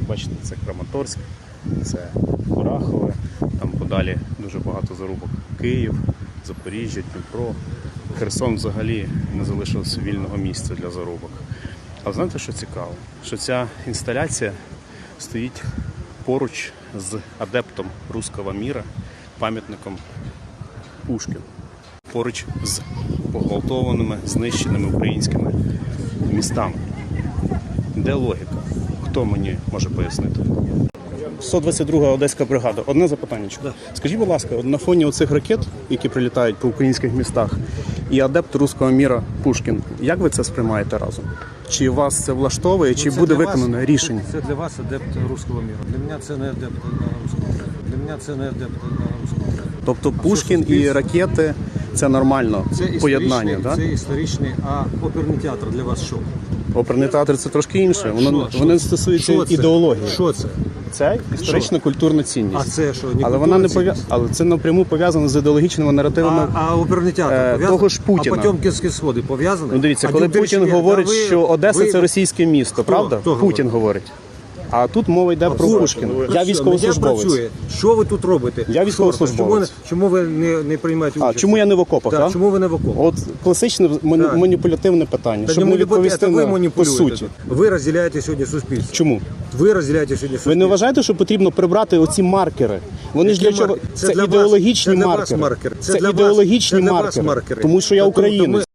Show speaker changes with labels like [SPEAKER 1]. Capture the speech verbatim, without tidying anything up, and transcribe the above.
[SPEAKER 1] бачите, це Краматорськ, це Курахове, там подалі дуже багато зарубок. Київ, Запоріжжя, Дніпро. Херсон взагалі не залишилося вільного місця для зарубок. А знаєте, що цікаво? Що ця інсталяція стоїть поруч з адептом руського міра, пам'ятником Пушкіну. Поруч з погвалтованими, знищеними українськими містами. Де логіка? Хто мені може пояснити? сто двадцять друга Одеська бригада. Одне запитання. Да. Скажіть, будь ласка, на фоні оцих ракет, які прилітають по українських містах, і адепт руського міра Пушкін, як ви це сприймаєте разом? Чи вас це влаштовує, чи ну, буде виконане вас, рішення?
[SPEAKER 2] Це для вас адепт руського міра. Для мене це не адепт руського міра. Для мене це не адепт руського міра.
[SPEAKER 1] Тобто а Пушкін і ракети – це нормально
[SPEAKER 2] це
[SPEAKER 1] поєднання, так?
[SPEAKER 2] Це історичний, а оперний театр для вас що?
[SPEAKER 1] Оперний театр – це трошки інше. Воно, що, воно стосується що ідеології.
[SPEAKER 2] Що це?
[SPEAKER 1] Це історично-культурна цінність.
[SPEAKER 2] А це що? Не
[SPEAKER 1] але вона не пов'я... але це напряму пов'язано з ідеологічними наративами.
[SPEAKER 2] А, а оперний театр
[SPEAKER 1] е,
[SPEAKER 2] пов'язаний?
[SPEAKER 1] Того ж Путіна.
[SPEAKER 2] А Потьомкінські сходи пов'язані?
[SPEAKER 1] Ну дивіться,
[SPEAKER 2] а
[SPEAKER 1] коли Путін
[SPEAKER 2] Печеря,
[SPEAKER 1] говорить,
[SPEAKER 2] ви,
[SPEAKER 1] що Одеса
[SPEAKER 2] ви...
[SPEAKER 1] це російське місто,
[SPEAKER 2] Хто?
[SPEAKER 1] правда?
[SPEAKER 2] Хто
[SPEAKER 1] Путін говорить. А тут мова йде а про Пушкіна. Я військовослужбовець.
[SPEAKER 2] Що ви тут робите?
[SPEAKER 1] Я військовослужбовець.
[SPEAKER 2] Чому, чому ви не, не приймаєте участь?
[SPEAKER 1] А чому я не в окопах, так?
[SPEAKER 2] Чому ви не в окопах?
[SPEAKER 1] От класичне так. маніпулятивне питання,
[SPEAKER 2] Та
[SPEAKER 1] щоб не відповісти на по суті.
[SPEAKER 2] Ви розділяєте сьогодні суспільство.
[SPEAKER 1] Чому?
[SPEAKER 2] Ви розділяєте сьогодні суспільство.
[SPEAKER 1] Ви не вважаєте, що потрібно прибрати оці маркери? Вони ж для чого? Це, це ідеологічні
[SPEAKER 2] маркери.
[SPEAKER 1] маркери.
[SPEAKER 2] Це,
[SPEAKER 1] це ідеологічні маркери. Тому що я українець.